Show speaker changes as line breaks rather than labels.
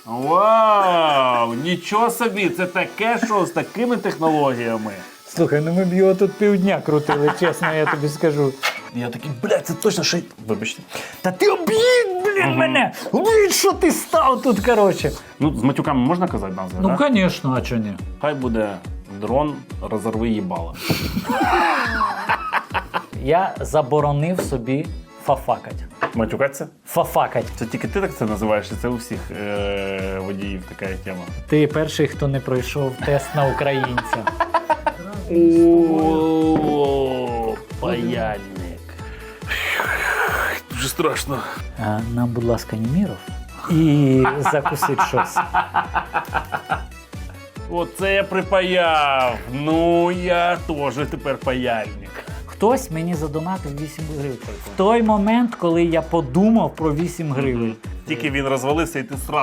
Вау! Нічого собі, це таке шоу з такими технологіями.
Слухай, ну ми б його тут півдня крутили, чесно, я тобі скажу.
Я такий, блядь, це точно ще... Вибачте.
Та ти об'їдь, мене! Об'їдь, що ти став тут, коротше.
Ну, з матюками можна казати назви,
Ну,
да?
звісно, а чого ні?
Хай буде дрон розорви їбала.
Я заборонив собі фафакать.
Матюкатися?
Фафакать.
Це тільки ти так це називаєш, чи це у всіх водіїв така тема?
Ти перший, хто не пройшов тест на українця.
О, паяльник. Дуже страшно.
Нам, будь ласка, Німіров. І закусить щось.
Оце я припаяв. Ну, я теж тепер паяльник.
Хтось мені задонатив 8 гривень. В той момент, коли я подумав про 8 гривень.
Тільки він розвалився і ти сразу